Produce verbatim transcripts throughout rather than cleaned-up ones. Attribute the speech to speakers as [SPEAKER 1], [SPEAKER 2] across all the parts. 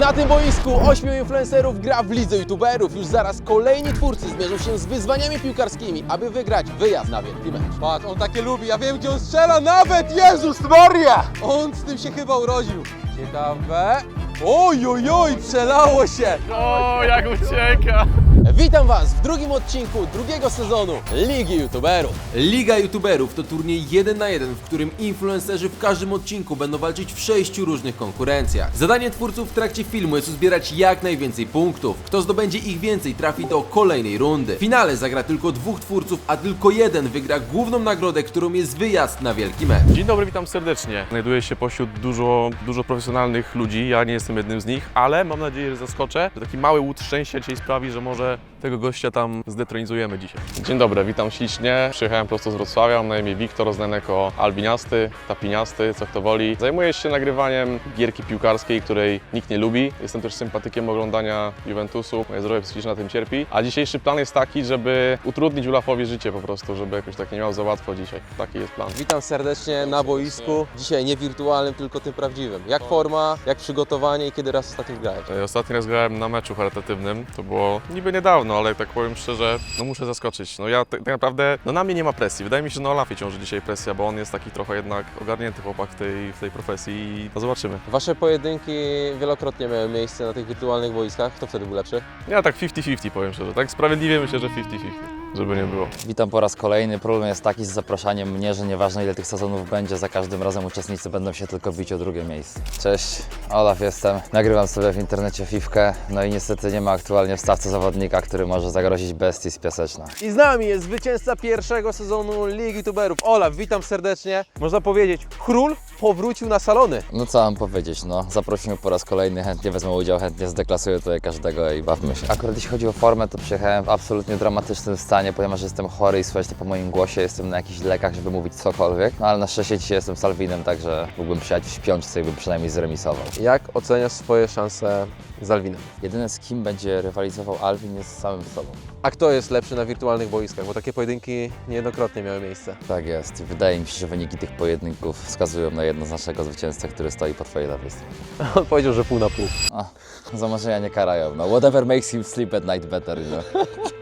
[SPEAKER 1] Na tym boisku ośmiu influencerów gra w lidze youtuberów. Już zaraz kolejni twórcy zmierzą się z wyzwaniami piłkarskimi, aby wygrać wyjazd na wielki mecz. Patrz, on takie lubi, ja wiem gdzie on strzela nawet, Jezus Maria! On z tym się chyba urodził. Ciekawe. Oj, oj, oj, przelało się!
[SPEAKER 2] O, jak ucieka!
[SPEAKER 1] Witam Was w drugim odcinku drugiego sezonu Ligi YouTuberów. Liga YouTuberów to turniej jeden na jeden, w którym influencerzy w każdym odcinku będą walczyć w sześciu różnych konkurencjach. Zadanie twórców w trakcie filmu jest uzbierać jak najwięcej punktów. Kto zdobędzie ich więcej, trafi do kolejnej rundy. W finale zagra tylko dwóch twórców, a tylko jeden wygra główną nagrodę, którą jest wyjazd na wielki mecz.
[SPEAKER 2] Dzień dobry, witam serdecznie. Znajduję się pośród dużo, dużo profesjonalnych ludzi, ja nie jestem jednym z nich, ale mam nadzieję, że zaskoczę. Że taki mały łód szczęścia dzisiaj sprawi, że może tego gościa tam zdetronizujemy dzisiaj. Dzień dobry, witam ślicznie. Przyjechałem prosto z Wrocławia, mam na imię Wiktor, znany jako Albiniasty, Tapiniasty, co kto woli. Zajmuję się nagrywaniem gierki piłkarskiej, której nikt nie lubi. Jestem też sympatykiem oglądania Juventusu, moje zdrowie psychiczne na tym cierpi. A dzisiejszy plan jest taki, żeby utrudnić Ulafowi życie po prostu, żeby jakoś tak nie miał za łatwo dzisiaj. Taki jest plan.
[SPEAKER 1] Witam serdecznie na boisku. Dzisiaj nie wirtualnym, tylko tym prawdziwym. Jak forma, jak przygotowanie i kiedy raz ostatnio grałeś?
[SPEAKER 2] Ostatni raz grałem na meczu charytatywnym, to było niby niedawno, ale tak powiem szczerze, no muszę zaskoczyć. No ja tak, tak naprawdę, no na mnie nie ma presji. Wydaje mi się, że na Olafie ciąży dzisiaj presja, bo on jest taki trochę jednak ogarnięty chłopak w tej, w tej profesji i no zobaczymy.
[SPEAKER 1] Wasze pojedynki wielokrotnie miały miejsce na tych wirtualnych boiskach. Kto wtedy był lepszy?
[SPEAKER 2] Ja tak pięćdziesiąt pięćdziesiąt powiem szczerze, tak sprawiedliwie myślę, że pięćdziesiąt pięćdziesiąt, żeby nie było.
[SPEAKER 3] Witam po raz kolejny. Problem jest taki z zapraszaniem mnie, że nieważne ile tych sezonów będzie, za każdym razem uczestnicy będą się tylko bić o drugie miejsce. Cześć, Olaf jestem. Nagrywam sobie w internecie fifkę, no i niestety nie ma aktualnie w stawce zawodnika, który może zagrozić bestii z Piaseczna.
[SPEAKER 1] I z nami jest zwycięzca pierwszego sezonu Ligi YouTuberów. Olaf, witam serdecznie. Można powiedzieć, król powrócił na salony.
[SPEAKER 3] No co mam powiedzieć, no zaprosimy po raz kolejny, chętnie wezmę udział, chętnie zdeklasuję tutaj każdego i bawmy się. Akurat jeśli chodzi o formę, to przyjechałem w absolutnie dramatycznym stanie, ponieważ jestem chory i słuchajcie po moim głosie, jestem na jakichś lekach, żeby mówić cokolwiek, no ale na szczęście dzisiaj jestem z Alwinem, także mógłbym przyjechać w śpiączce i bym przynajmniej zremisował.
[SPEAKER 1] Jak oceniasz swoje szanse z Alwinem?
[SPEAKER 3] Jedyne z kim będzie rywalizował Alwin jest z samym sobą.
[SPEAKER 1] A kto jest lepszy na wirtualnych boiskach? Bo takie pojedynki niejednokrotnie miały miejsce.
[SPEAKER 3] Tak jest. Wydaje mi się, że wyniki tych pojedynków wskazują na jednoznacznego zwycięzcę, który stoi po twojej lewej stronie.
[SPEAKER 1] On powiedział, że pół na pół.
[SPEAKER 3] A, za marzenia nie karają. No, whatever makes him sleep at night better, no.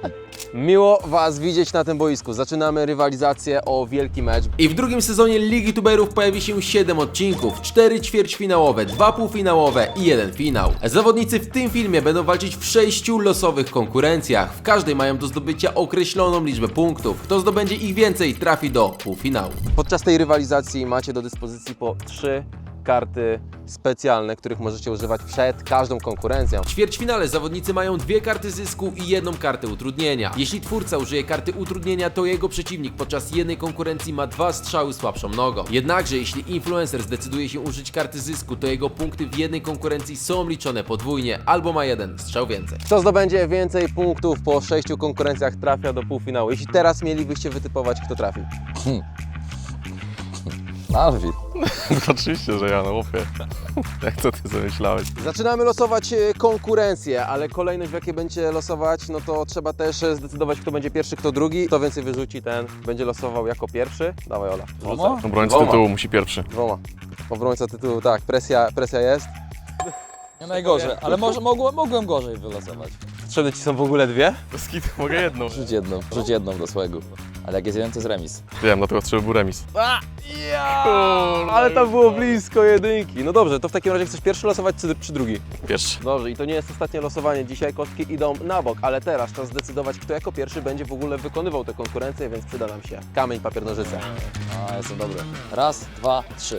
[SPEAKER 1] Miło Was widzieć na tym boisku. Zaczynamy rywalizację o wielki mecz. I w drugim sezonie Ligi YouTuberów pojawi się siedem odcinków, cztery ćwierćfinałowe, dwa półfinałowe i jeden finał. Zawodnicy w tym filmie będą walczyć w sześciu losowych konkurencjach. W każdej mają do zdobycia określoną liczbę punktów. Kto zdobędzie ich więcej, trafi do półfinału. Podczas tej rywalizacji macie do dyspozycji po trzy karty specjalne, których możecie używać przed każdą konkurencją. W ćwierćfinale zawodnicy mają dwie karty zysku i jedną kartę utrudnienia. Jeśli twórca użyje karty utrudnienia, to jego przeciwnik podczas jednej konkurencji ma dwa strzały słabszą nogą. Jednakże jeśli influencer zdecyduje się użyć karty zysku, to jego punkty w jednej konkurencji są liczone podwójnie, albo ma jeden strzał więcej. Kto zdobędzie więcej punktów po sześciu konkurencjach, trafia do półfinału. Jeśli teraz mielibyście wytypować, kto trafi.
[SPEAKER 3] Alwin.
[SPEAKER 2] Oczywiście, że ja, no łopie. Jak to ty zamyślałeś?
[SPEAKER 1] Zaczynamy losować e, konkurencję, ale kolejność w jakiej będzie losować, no to trzeba też e, zdecydować, kto będzie pierwszy, kto drugi. Kto więcej wyrzuci, ten będzie losował jako pierwszy. Dawaj, Ola.
[SPEAKER 3] Dwoma?
[SPEAKER 2] Obrońca
[SPEAKER 1] Dwoma.
[SPEAKER 2] tytułu musi pierwszy.
[SPEAKER 1] Dwoma. Obrońca tytułu, tak, presja, presja jest.
[SPEAKER 3] Nie najgorzej, ale może, mogłem, mogłem gorzej wylosować.
[SPEAKER 1] Potrzebne Ci są w ogóle dwie?
[SPEAKER 2] Bez kitu mogę jedną.
[SPEAKER 3] Rzuć jedną, rzuć jedną do swego. Ale jak jest jeden, to jest remis.
[SPEAKER 2] Wiem, dlatego trzeba był remis.
[SPEAKER 1] A, ja! Ale tam było blisko jedynki. No dobrze, to w takim razie chcesz pierwszy losować czy, czy drugi?
[SPEAKER 2] Pierwszy.
[SPEAKER 1] Dobrze, i to nie jest ostatnie losowanie. Dzisiaj kostki idą na bok, ale teraz czas zdecydować, kto jako pierwszy będzie w ogóle wykonywał tę konkurencję, więc przyda nam się kamień, papier, nożyce.
[SPEAKER 3] A, jestem dobry. Raz, dwa, trzy.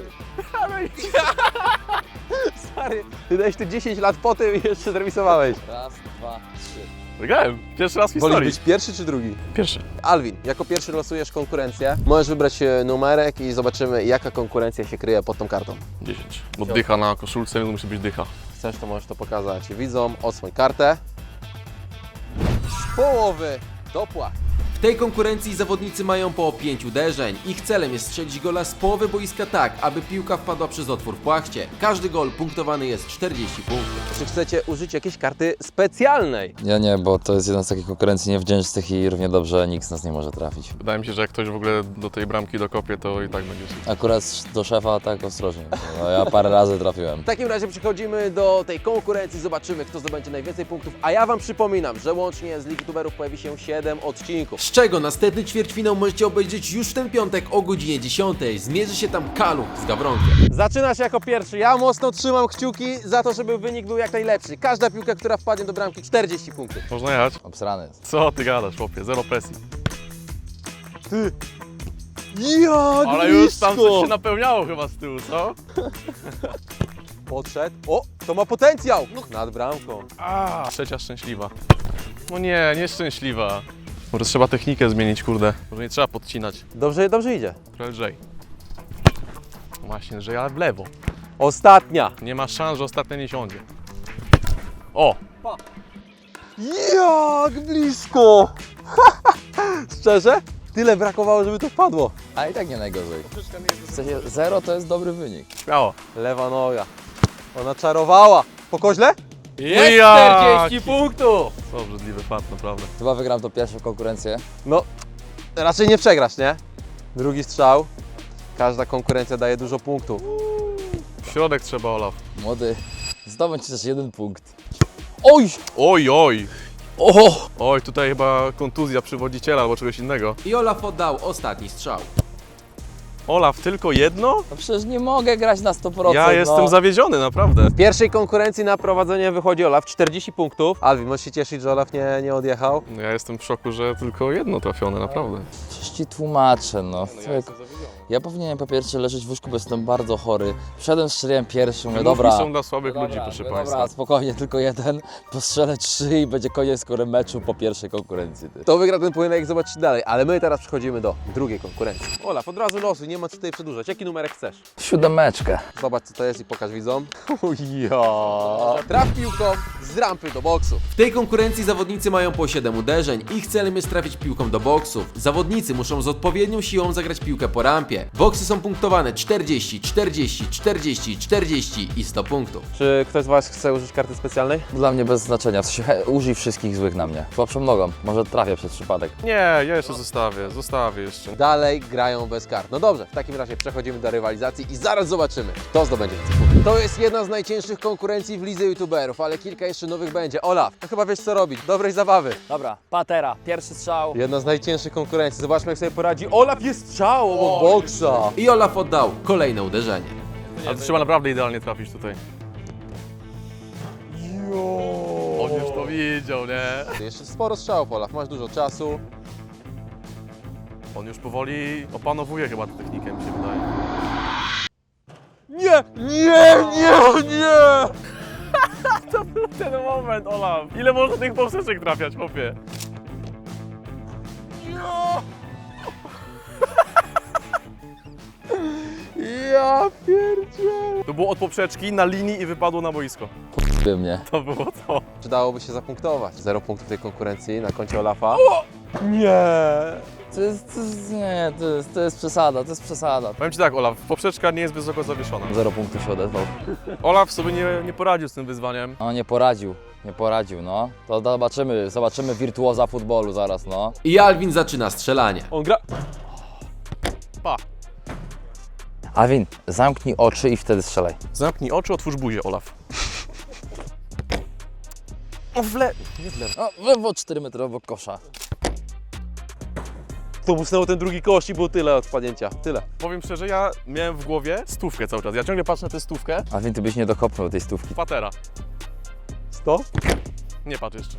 [SPEAKER 1] Stary, ty dałeś tu dziesięć lat po tym i jeszcze zremisowałeś.
[SPEAKER 3] Raz, dwa, trzy.
[SPEAKER 2] Wygrałem. Pierwszy raz w
[SPEAKER 1] Wolisz
[SPEAKER 2] historii.
[SPEAKER 1] być pierwszy czy drugi?
[SPEAKER 2] Pierwszy.
[SPEAKER 1] Alwin, jako pierwszy losujesz konkurencję. Możesz wybrać e, numerek i zobaczymy, jaka konkurencja się kryje pod tą kartą.
[SPEAKER 2] dziesięć. Bo dycha na koszulce, więc musi być dycha.
[SPEAKER 1] Chcesz, to możesz to pokazać widzom. Odsłoń kartę. Z połowy do płat. W tej konkurencji zawodnicy mają po pięć uderzeń. Ich celem jest strzelić gola z połowy boiska tak, aby piłka wpadła przez otwór w płachcie. Każdy gol punktowany jest czterdzieści punktów. Czy chcecie użyć jakiejś karty specjalnej?
[SPEAKER 3] Ja nie, bo to jest jedna z takich konkurencji niewdzięcznych i równie dobrze nikt z nas nie może trafić.
[SPEAKER 2] Wydaje mi się, że jak ktoś w ogóle do tej bramki dokopie, to i tak będzie.
[SPEAKER 3] Akurat do szefa tak ostrożnie. No, ja parę razy trafiłem.
[SPEAKER 1] W takim razie przechodzimy do tej konkurencji, zobaczymy, kto zdobędzie najwięcej punktów, a ja Wam przypominam, że łącznie z Ligi Tuberów pojawi się siedem odcinków, z czego następny ćwierćfinał możecie obejrzeć już w ten piątek o godzinie dziesiątej. Zmierzy się tam Kaluch z Gawronkiem. Zaczyna się jako pierwszy. Ja mocno trzymam kciuki za to, żeby wynik był jak najlepszy. Każda piłka, która wpadnie do bramki, czterdzieści punktów.
[SPEAKER 2] Można jechać?
[SPEAKER 3] Obsrany jest.
[SPEAKER 2] Co ty gadasz, chłopie? Zero presji.
[SPEAKER 1] Jak
[SPEAKER 2] Ale już tam coś się napełniało chyba z tyłu, co?
[SPEAKER 1] Podszedł. O, to ma potencjał! Nad bramką.
[SPEAKER 2] A, trzecia szczęśliwa. No nie, nieszczęśliwa. Może trzeba technikę zmienić, kurde. Może nie trzeba podcinać.
[SPEAKER 1] Dobrze, dobrze idzie.
[SPEAKER 2] Trochę lżej. No właśnie, że ja w lewo.
[SPEAKER 1] Ostatnia.
[SPEAKER 2] Nie ma szans, że ostatnia nie siądzie. O!
[SPEAKER 1] Jak blisko! Szczerze? Tyle brakowało, żeby to wpadło.
[SPEAKER 3] A i tak nie najgorzej. W sensie zero to jest dobry wynik.
[SPEAKER 2] Śmiało.
[SPEAKER 1] Lewa noga. Ona czarowała. Po koźle? Jest
[SPEAKER 2] Jaki?
[SPEAKER 1] czterdzieści punktów!
[SPEAKER 2] Co obrzydliwy fat, naprawdę.
[SPEAKER 3] Chyba wygram to pierwszą konkurencję.
[SPEAKER 1] No, raczej nie przegrasz, nie? Drugi strzał. Każda konkurencja daje dużo punktów.
[SPEAKER 2] W środek trzeba, Olaf.
[SPEAKER 3] Młody, zdobądź też jeden punkt. Oj!
[SPEAKER 2] Oj, oj!
[SPEAKER 3] O!
[SPEAKER 2] Oj, tutaj chyba kontuzja przywodziciela albo czegoś innego.
[SPEAKER 1] I Olaf oddał ostatni strzał.
[SPEAKER 2] Olaf, tylko jedno?
[SPEAKER 3] No przecież nie mogę grać na sto procent.
[SPEAKER 2] Ja jestem
[SPEAKER 3] no.
[SPEAKER 2] zawiedziony, naprawdę.
[SPEAKER 1] W pierwszej konkurencji na prowadzenie wychodzi Olaf, czterdzieści punktów. Alwin, możesz się cieszyć, że Olaf nie, nie odjechał.
[SPEAKER 2] No ja jestem w szoku, że tylko jedno trafione, naprawdę.
[SPEAKER 3] Przecież ci tłumaczę, no. Człowiek, ja powinienem po pierwsze leżeć w łóżku, bo jestem bardzo chory. Wszedłem, strzeliłem pierwszy, mówię,
[SPEAKER 2] Wymówki
[SPEAKER 3] dobra.
[SPEAKER 2] są dla słabych
[SPEAKER 3] dobra,
[SPEAKER 2] ludzi, proszę
[SPEAKER 3] dobra,
[SPEAKER 2] Państwa.
[SPEAKER 3] Dobra, spokojnie, tylko jeden. Postrzelę trzy i będzie koniec skoro meczu po pierwszej konkurencji. Ty.
[SPEAKER 1] To wygra ten pojedynek, zobaczcie dalej. Ale my teraz przechodzimy do drugiej konkurencji. Olaf, od razu losuj, nie ma co tutaj przedłużać. Jaki numerek chcesz?
[SPEAKER 3] Siódemeczkę.
[SPEAKER 1] Zobacz, co to jest i pokaż widzom. Ja. Traf piłką z rampy do boksu. W tej konkurencji zawodnicy mają po siedem uderzeń. Ich celem jest trafić piłką do boksów. Zawodnicy muszą z odpowiednią siłą zagrać piłkę po rampie. Boksy są punktowane czterdzieści, czterdzieści, czterdzieści, czterdzieści i sto punktów. Czy ktoś z Was chce użyć karty specjalnej?
[SPEAKER 3] Dla mnie bez znaczenia. W sensie, he, użyj wszystkich złych na mnie. Słabszą nogą. Może trafię przez przypadek.
[SPEAKER 2] Nie, ja jeszcze zostawię, zostawię jeszcze.
[SPEAKER 1] Dalej grają bez kart. No dobrze, w takim razie przechodzimy do rywalizacji i zaraz zobaczymy, kto zdobędzie więcej punktów. To jest jedna z najcięższych konkurencji w lidze youtuberów, ale kilka jeszcze nowych będzie. Olaf, no chyba wiesz co robić. Dobrej zabawy.
[SPEAKER 4] Dobra, patera, pierwszy strzał.
[SPEAKER 1] Jedna z najcięższych konkurencji. Zobaczmy, jak sobie poradzi. Olaf jest strzał obok boksa. I Olaf oddał kolejne uderzenie.
[SPEAKER 2] Ale to trzeba naprawdę idealnie trafić tutaj. On już to widział, nie?
[SPEAKER 1] Jeszcze sporo strzałów, Olaf. Masz dużo czasu.
[SPEAKER 2] On już powoli opanowuje chyba tę technikę, mi się wydaje.
[SPEAKER 1] Nie, nie, nie, nie!
[SPEAKER 2] To był ten moment, Olaf. Ile można tych poprzeczek trafiać, chłopie?
[SPEAKER 1] Ja pierdzielę.
[SPEAKER 2] To było od poprzeczki na linii i wypadło na boisko.
[SPEAKER 3] Ty mnie.
[SPEAKER 2] To było to.
[SPEAKER 1] Czy dałoby się zapunktować? Zero punktów w tej konkurencji na koncie Olafa. Nie.
[SPEAKER 3] To jest, to jest, nie, to jest, to jest przesada, to jest przesada.
[SPEAKER 2] Powiem Ci tak, Olaf, poprzeczka nie jest wysoko zawieszona.
[SPEAKER 3] Zero punktów się odezwał.
[SPEAKER 2] Olaf sobie nie, nie poradził z tym wyzwaniem.
[SPEAKER 3] No nie poradził, nie poradził, no. To zobaczymy, zobaczymy wirtuoza futbolu zaraz, no.
[SPEAKER 1] I Alvin zaczyna strzelanie. On gra...
[SPEAKER 2] Pa!
[SPEAKER 3] Alvin, zamknij oczy i wtedy strzelaj.
[SPEAKER 2] Zamknij oczy, otwórz buzię, Olaf. O, w le... Nie w lewo.
[SPEAKER 3] No, wywo cztery metry obok kosza.
[SPEAKER 1] To musnęło ten drugi kość i było tyle od wpadnięcia. Tyle.
[SPEAKER 2] Powiem szczerze, ja miałem w głowie stówkę cały czas. Ja ciągle patrzę na tę stówkę.
[SPEAKER 3] Alvin, ty byś nie dokopnął tej stówki.
[SPEAKER 2] Patera.
[SPEAKER 1] sto?
[SPEAKER 2] Nie patrz jeszcze.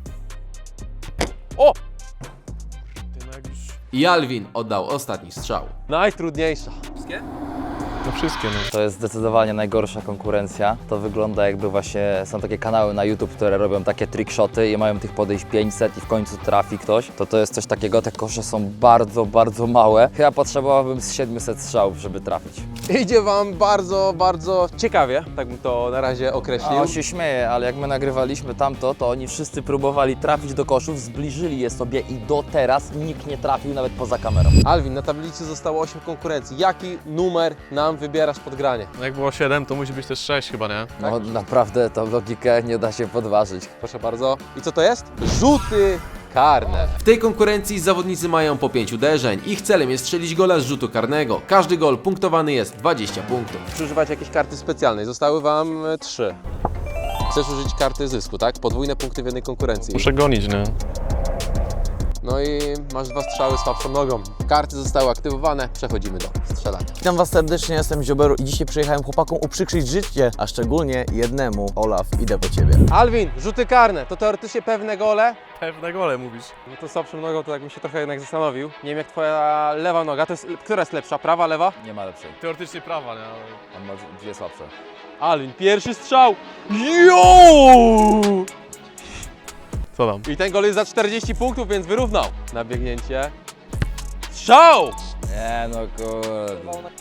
[SPEAKER 2] O! Ty no jak już...
[SPEAKER 1] I Alvin oddał ostatni strzał. Najtrudniejsza.
[SPEAKER 2] No wszystkie, no.
[SPEAKER 3] To jest zdecydowanie najgorsza konkurencja. To wygląda jakby właśnie są takie kanały na YouTube, które robią takie trickshoty i mają tych podejść pięćset i w końcu trafi ktoś. To to jest coś takiego, te kosze są bardzo, bardzo małe. Chyba potrzebowałbym z siedmiuset strzałów, żeby trafić.
[SPEAKER 1] Idzie Wam bardzo, bardzo ciekawie, tak bym to na razie
[SPEAKER 3] A
[SPEAKER 1] określił.
[SPEAKER 3] on się śmieje, ale jak my nagrywaliśmy tamto, to oni wszyscy próbowali trafić do koszów, zbliżyli je sobie i do teraz nikt nie trafił nawet poza kamerą.
[SPEAKER 1] Alvin, na tablicy zostało osiem konkurencji. Jaki numer nam wybierasz pod granie?
[SPEAKER 2] No jak było siedem, to musi być też sześć chyba, nie?
[SPEAKER 3] No naprawdę tą logikę nie da się podważyć.
[SPEAKER 1] Proszę bardzo. I co to jest? Rzuty karne. W tej konkurencji zawodnicy mają po pięć uderzeń. Ich celem jest strzelić gola z rzutu karnego. Każdy gol punktowany jest dwadzieścia punktów. Czy używacie jakiejś karty specjalnej? Zostały Wam e, trzy. Chcesz użyć karty zysku, tak? Podwójne punkty w jednej konkurencji.
[SPEAKER 2] Muszę gonić, nie?
[SPEAKER 1] No i masz dwa strzały słabszą nogą. Karty zostały aktywowane. Przechodzimy do strzelania.
[SPEAKER 5] Witam Was serdecznie, jestem Zioberu i dzisiaj przyjechałem chłopakom uprzykrzyć życie, a szczególnie jednemu. Olaf, idę po Ciebie.
[SPEAKER 1] Alvin, rzuty karne. To teoretycznie pewne gole.
[SPEAKER 2] Pewne gole mówisz.
[SPEAKER 1] No to słabszą nogą to tak bym się trochę jednak zastanowił. Nie wiem jak twoja lewa noga, to jest, która jest lepsza, prawa, lewa?
[SPEAKER 3] Nie ma lepszej.
[SPEAKER 2] Teoretycznie prawa, nie? Ale...
[SPEAKER 3] On ma dwie słabsze.
[SPEAKER 1] Alvin, pierwszy strzał! Jo!
[SPEAKER 2] Co tam?
[SPEAKER 1] I ten gol jest za czterdzieści punktów, więc wyrównał. Na biegnięcie. Strzał!
[SPEAKER 3] Nie no kurde.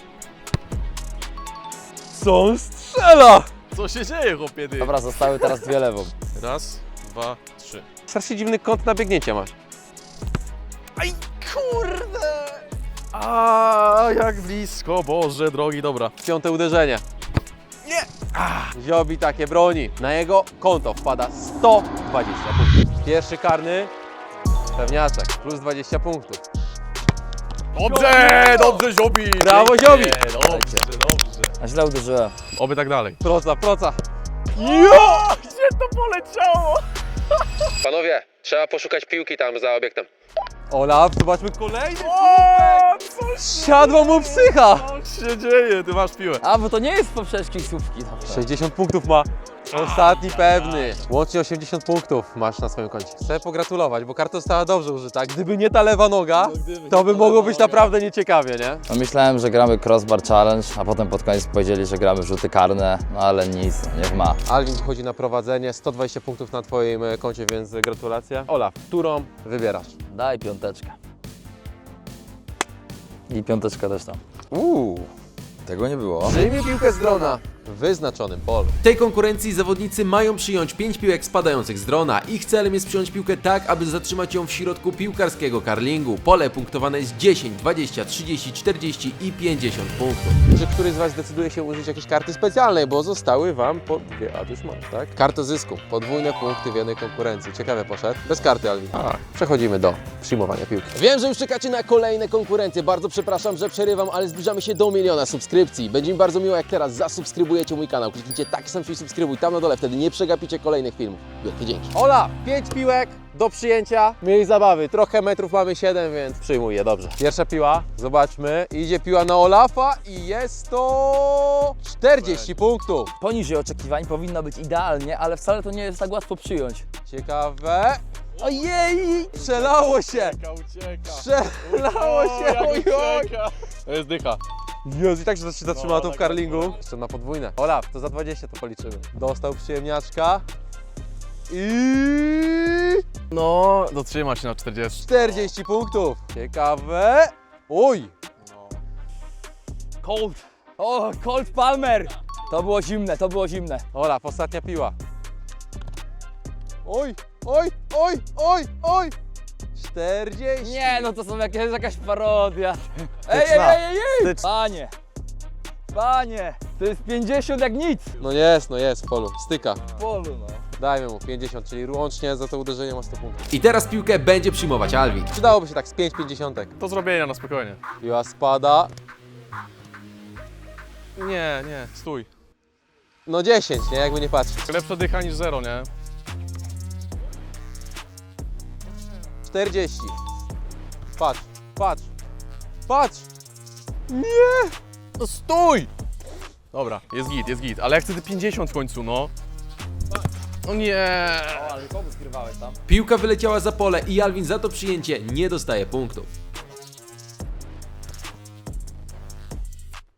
[SPEAKER 1] Co on strzela?
[SPEAKER 2] Co się dzieje, chłopie, ty?
[SPEAKER 3] Dobra, zostały teraz dwie lewą.
[SPEAKER 2] Raz, dwa, trzy.
[SPEAKER 1] Strasznie dziwny kąt na biegnięcie masz.
[SPEAKER 2] Aj, kurde! A jak blisko, Boże drogi, dobra.
[SPEAKER 1] Piąte uderzenie. Nie! Ziobi takie broni. Na jego konto wpada sto dwadzieścia punktów. Pierwszy karny. Pewniaczek. Plus dwadzieścia punktów.
[SPEAKER 2] Dobrze, dobrze, Ziobi!
[SPEAKER 1] Brawo,
[SPEAKER 2] Pięknie,
[SPEAKER 1] Ziobi!
[SPEAKER 2] Dobrze, dobrze.
[SPEAKER 3] A źle uderzyłem.
[SPEAKER 2] Oby tak dalej.
[SPEAKER 1] Proca, proca.
[SPEAKER 2] Jo! Gdzie to poleciało?
[SPEAKER 1] Panowie, trzeba poszukać piłki tam za obiektem. Olaf, zobaczmy kolejny.
[SPEAKER 2] O, co
[SPEAKER 1] Siadła mu psycha.
[SPEAKER 2] się dzieje? Ty masz piłę.
[SPEAKER 3] A, bo to nie jest poprzeczki słupki. Dobra.
[SPEAKER 1] sześćdziesiąt punktów ma. Ostatni pewny. Łącznie osiemdziesiąt punktów masz na swoim koncie. Chcę pogratulować, bo karta została dobrze użyta. Gdyby nie ta lewa noga, to by mogło być naprawdę nieciekawie, nie?
[SPEAKER 3] No myślałem, że gramy crossbar challenge, a potem pod koniec powiedzieli, że gramy rzuty karne, no ale nic, niech ma.
[SPEAKER 1] Alvin wychodzi na prowadzenie, sto dwadzieścia punktów na twoim e, koncie, więc gratulacje. Olaf, którą wybierasz?
[SPEAKER 3] Daj piąteczkę. I piąteczka też tam.
[SPEAKER 1] Uuu.
[SPEAKER 3] Tego nie było.
[SPEAKER 1] Przyjmij piłkę z drona w wyznaczonym polu. W tej konkurencji zawodnicy mają przyjąć pięć piłek spadających z drona. Ich celem jest przyjąć piłkę tak, aby zatrzymać ją w środku piłkarskiego karlingu. Pole punktowane jest dziesięć, dwadzieścia, trzydzieści, czterdzieści i pięćdziesiąt punktów. Czy któryś z Was zdecyduje się użyć jakiejś karty specjalnej, bo zostały Wam po dwie, a już masz, tak? Karta zysku. Podwójne punkty w jednej konkurencji. Ciekawie poszedł. Bez karty, Alvin.
[SPEAKER 2] Tak.
[SPEAKER 1] Przechodzimy do przyjmowania piłki. Wiem, że już czekacie na kolejne konkurencje. Bardzo przepraszam, że przerywam, ale zbliżamy się do miliona subskrypcji. Będzie mi bardzo miło, jak teraz zasubskrybujecie mój kanał. Kliknijcie taki sam przycisk subskrybuj tam na dole, wtedy nie przegapicie kolejnych filmów. Wielkie dzięki. Ola, pięć piłek do przyjęcia. Miej zabawy. Trochę metrów mamy siedem, więc przyjmuję, dobrze. Pierwsza piła, zobaczmy. Idzie piła na Olafa i jest to czterdzieści punktów.
[SPEAKER 3] Poniżej oczekiwań powinno być idealnie, ale wcale to nie jest tak łatwo przyjąć.
[SPEAKER 1] Ciekawe.
[SPEAKER 3] Ojej!
[SPEAKER 1] Przelało się.
[SPEAKER 2] ucieka.
[SPEAKER 1] Przelało się. Ojoj.
[SPEAKER 2] To jest dycha.
[SPEAKER 1] Jezu, i tak się zatrzymała
[SPEAKER 2] No,
[SPEAKER 1] tu w
[SPEAKER 2] tak,
[SPEAKER 1] karlingu. Jeszcze na podwójne. Olaf, to za dwadzieścia to policzymy. Dostał przyjemniaczka. I
[SPEAKER 2] No, dotrzyma się na czterdzieści.
[SPEAKER 1] czterdzieści punktów. Ciekawe. Oj.
[SPEAKER 3] Colt! O, Colt Palmer! To było zimne, to było zimne.
[SPEAKER 1] Olaf, ostatnia piła. Oj, oj, oj, oj, oj. czterdzieści.
[SPEAKER 3] Nie, no to są jakieś, jest jakaś parodia. Ej, ej, ej, ej, ej! Panie! Panie! To jest pięćdziesiąt jak nic!
[SPEAKER 1] No jest, no jest w polu. Styka.
[SPEAKER 3] W polu, no.
[SPEAKER 1] Dajmy mu pięćdziesiąt, czyli łącznie za to uderzenie ma sto punktów. I teraz piłkę będzie przyjmować Alvin. Przydałoby się tak z pięć pięćdziesiątek.
[SPEAKER 2] Do zrobienia na spokojnie.
[SPEAKER 1] Piła spada.
[SPEAKER 2] Nie, nie, stój.
[SPEAKER 1] No dziesięć, nie? Jakby nie patrzeć.
[SPEAKER 2] Lepsza dycha niż zero, nie?
[SPEAKER 1] czterdzieści. Patrz, patrz, patrz. Nie!
[SPEAKER 2] No stój! Dobra, jest git, jest git, ale ja chcę te pięćdziesiąt w końcu, no. No nie.
[SPEAKER 3] O, ale kogo zgrywałeś tam?
[SPEAKER 1] Piłka wyleciała za pole i Alvin za to przyjęcie nie dostaje punktów.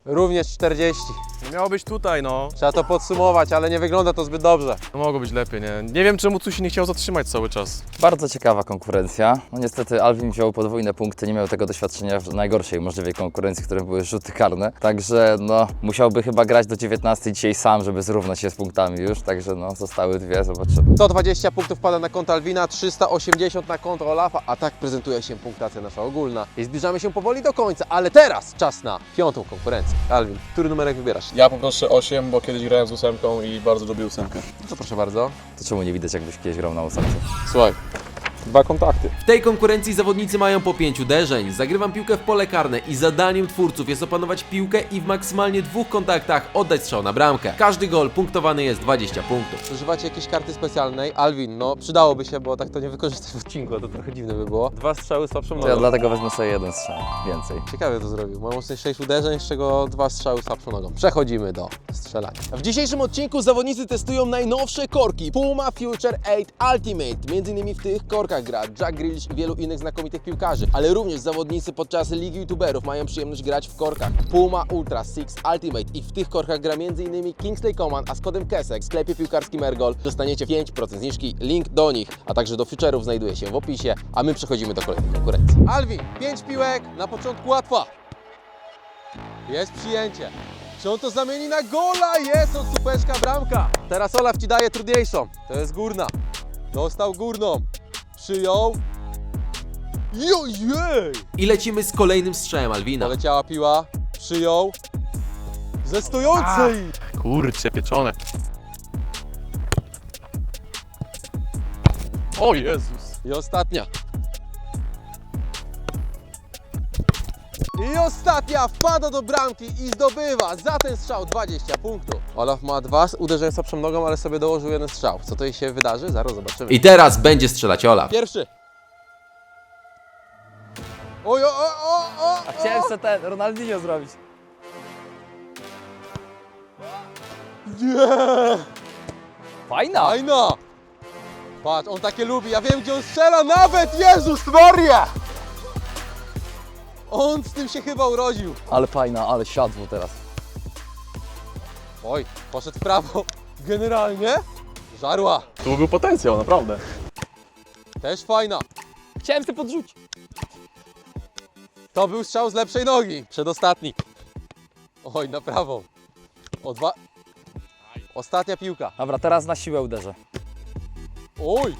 [SPEAKER 1] Również czterdzieści.
[SPEAKER 2] Nie miało być tutaj, no.
[SPEAKER 1] Trzeba to podsumować, ale nie wygląda to zbyt dobrze.
[SPEAKER 2] No mogło być lepiej, nie? Nie wiem, czemu tu się nie chciał zatrzymać cały czas.
[SPEAKER 3] Bardzo ciekawa konkurencja. No niestety Alvin wziął podwójne punkty, nie miał tego doświadczenia w najgorszej możliwej konkurencji, którym były rzuty karne. Także no, musiałby chyba grać do dziewiętnastej dzisiaj sam, żeby zrównać się z punktami już. Także no, zostały dwie, zobaczymy.
[SPEAKER 1] sto dwadzieścia punktów pada na konto Alwina, trzysta osiemdziesiąt na konto Olafa, a tak prezentuje się punktacja nasza ogólna. I zbliżamy się powoli do końca, ale teraz czas na piątą konkurencję. Alwin, który numerek wybierasz?
[SPEAKER 2] Ja poproszę osiem, bo kiedyś grałem z ósemką i bardzo lubię ósemkę.
[SPEAKER 1] To proszę bardzo.
[SPEAKER 3] To czemu nie widać, jakbyś kiedyś grał na ósemce?
[SPEAKER 2] Słuchaj, dwa kontakty.
[SPEAKER 1] W tej konkurencji zawodnicy mają po pięć uderzeń. Zagrywam piłkę w pole karne i zadaniem twórców jest opanować piłkę i w maksymalnie dwóch kontaktach oddać strzał na bramkę. Każdy gol punktowany jest dwadzieścia punktów. Używacie jakiejś karty specjalnej? Alwin, no przydałoby się, bo tak to nie wykorzystasz w odcinku, to trochę dziwne by było. Dwa strzały słabszą
[SPEAKER 3] To ja
[SPEAKER 1] nogą.
[SPEAKER 3] dlatego wezmę sobie jeden strzał, więcej.
[SPEAKER 1] Ciekawie to zrobił. Mam łącznie sześć uderzeń, z czego dwa strzały słabszą nogą. Przechodzimy do strzelania. W dzisiejszym odcinku zawodnicy testują najnowsze korki Puma Future osiem Ultimate. Między innymi w tych korkach gra Jack Grealish i wielu innych znakomitych piłkarzy, ale również zawodnicy podczas Ligi YouTuberów mają przyjemność grać w korkach Puma Ultra sześć Ultimate i w tych korkach gra między innymi Kingsley Coman, a z kodem Kesek w sklepie piłkarskim Ergol dostaniecie pięć procent zniżki. Link do nich, a także do Future'ów znajduje się w opisie, a my przechodzimy do kolejnej konkurencji. Alvin, pięć piłek, na początku łatwa. Jest przyjęcie. Czy on to zamieni na gola? Jest od supeczka bramka. Teraz Olaf ci daje trudniejszą. To jest górna. Dostał górną. Przyjął. Jojej! I lecimy z kolejnym strzałem Alwina. Poleciała piła. Przyjął. Ze stojącej.
[SPEAKER 2] Kurczę, pieczone. O Jezus.
[SPEAKER 1] I ostatnia. I ostatnia wpada do bramki i zdobywa za ten strzał dwadzieścia punktów. Olaf ma dwa uderzenia słabszą nogą, ale sobie dołożył jeden strzał. Co to jej się wydarzy? Zaraz zobaczymy. I teraz będzie strzelać Olaf. Pierwszy. Oj, o, o, o, o,
[SPEAKER 4] A chciałem sobie ten Ronaldinho zrobić.
[SPEAKER 1] Nie!
[SPEAKER 4] Fajna!
[SPEAKER 1] Fajna! Patrz, on takie lubi. Ja wiem, gdzie on strzela nawet! Jezus Maria! On z tym się chyba urodził.
[SPEAKER 3] Ale fajna, ale siadło teraz.
[SPEAKER 1] Oj, poszedł w prawo. Generalnie żarła.
[SPEAKER 2] Tu był potencjał, naprawdę.
[SPEAKER 1] Też fajna.
[SPEAKER 4] Chciałem sobie podrzucić.
[SPEAKER 1] To był strzał z lepszej nogi. Przedostatni. Oj, na prawą. O dwa. Ostatnia piłka.
[SPEAKER 4] Dobra, teraz na siłę uderzę.
[SPEAKER 1] Oj.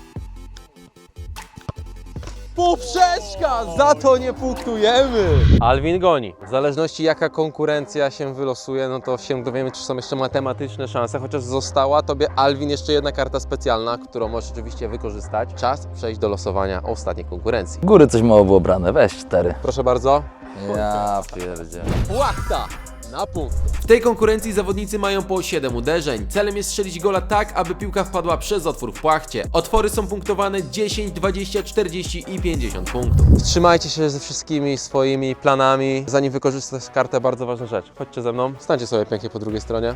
[SPEAKER 1] Poprzeczka! Za to nie punktujemy! Alvin goni. W zależności jaka konkurencja się wylosuje, no to się dowiemy, czy są jeszcze matematyczne szanse, chociaż została Tobie, Alvin, jeszcze jedna karta specjalna, którą możesz oczywiście wykorzystać. Czas przejść do losowania ostatniej konkurencji.
[SPEAKER 3] Góry coś mało było brane, weź cztery.
[SPEAKER 1] Proszę bardzo.
[SPEAKER 3] Ja pierdzie.
[SPEAKER 1] Płachta na punkt. W tej konkurencji zawodnicy mają po siedem uderzeń. Celem jest strzelić gola tak, aby piłka wpadła przez otwór w płachcie. Otwory są punktowane dziesięć, dwadzieścia, czterdzieści i pięćdziesiąt punktów. Wstrzymajcie się ze wszystkimi swoimi planami, zanim wykorzystasz kartę, bardzo ważna rzecz. Chodźcie ze mną, stańcie sobie pięknie po drugiej stronie.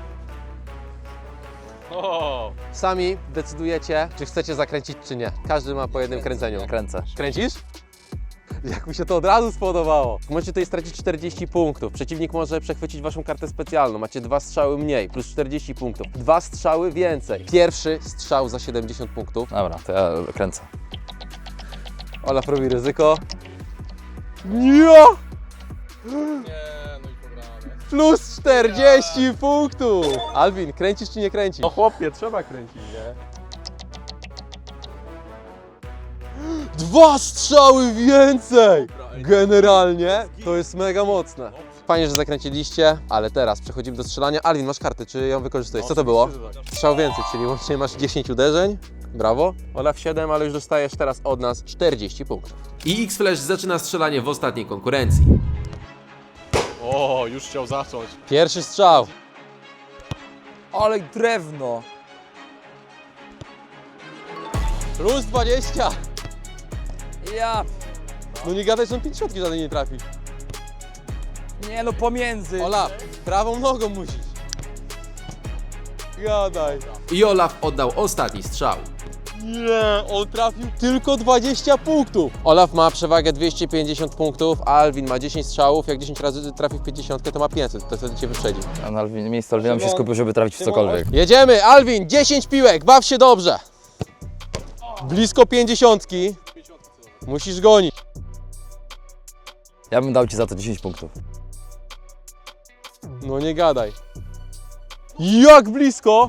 [SPEAKER 2] O!
[SPEAKER 1] Sami decydujecie, czy chcecie zakręcić, czy nie. Każdy ma po jednym kręceniu.
[SPEAKER 3] Kręcę.
[SPEAKER 1] Kręcisz? Jak mi się to od razu spodobało. Możecie tutaj stracić czterdzieści punktów. Przeciwnik może przechwycić waszą kartę specjalną. Macie dwa strzały mniej, plus czterdzieści punktów. Dwa strzały więcej. Pierwszy strzał za siedemdziesiąt punktów.
[SPEAKER 3] Dobra, to ja kręcę.
[SPEAKER 1] Olaf robi ryzyko. Nie!
[SPEAKER 2] Nie, no i pobrane.
[SPEAKER 1] Plus czterdzieści punktów! Alvin, kręcisz czy nie kręcisz?
[SPEAKER 2] No chłopie, trzeba kręcić, nie?
[SPEAKER 1] Dwa strzały więcej! Generalnie to jest mega mocne. Fajnie, że zakręciliście, ale teraz przechodzimy do strzelania. Alvin, masz kartę, czy ją wykorzystujesz? Co to było? Strzał więcej, czyli łącznie masz dziesięć uderzeń. Brawo. Olaf siedem, ale już dostajesz teraz od nas czterdzieści punktów. I X-Flash zaczyna strzelanie w ostatniej konkurencji.
[SPEAKER 2] O, już chciał zacząć.
[SPEAKER 1] Pierwszy strzał.
[SPEAKER 4] Ale drewno.
[SPEAKER 1] Plus dwadzieścia.
[SPEAKER 4] Ja...
[SPEAKER 1] No nie gadaj, że on pięćdziesiątki żadnej nie trafi.
[SPEAKER 4] Nie no, pomiędzy.
[SPEAKER 1] Olaf, prawą nogą musisz. Gadaj. I Olaf oddał ostatni strzał. Nie, on trafił tylko dwadzieścia punktów. Olaf ma przewagę dwieście pięćdziesiąt punktów, a Alvin ma dziesięć strzałów. Jak dziesięć razy trafi w pięćdziesiąt, to ma pięćset, to wtedy cię wyprzedzi.
[SPEAKER 3] A na Alvin, miejsce Alvina się skupił, żeby trafić w cokolwiek.
[SPEAKER 1] Jedziemy, Alvin, dziesięć piłek, baw się dobrze. Blisko pięćdziesiątki. Musisz gonić.
[SPEAKER 3] Ja bym dał ci za to dziesięć punktów.
[SPEAKER 1] No nie gadaj. Jak blisko!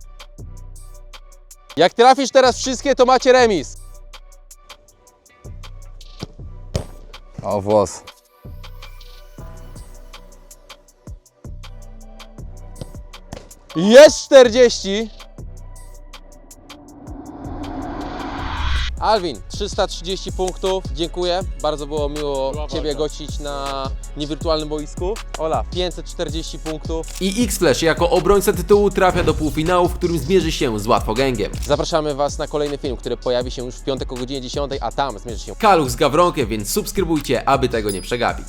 [SPEAKER 1] Jak trafisz teraz wszystkie, to macie remis.
[SPEAKER 3] O, włos.
[SPEAKER 1] Jest czterdzieści. Alvin, trzysta trzydzieści punktów. Dziękuję. Bardzo było miło Ciebie gościć na niewirtualnym boisku. Ola, pięćset czterdzieści punktów. I X-Flash jako obrońca tytułu trafia do półfinału, w którym zmierzy się z Łatwogęgiem. Zapraszamy Was na kolejny film, który pojawi się już w piątek o godzinie dziesiątej, a tam zmierzy się Kaluch z Gawronkiem, więc subskrybujcie, aby tego nie przegapić.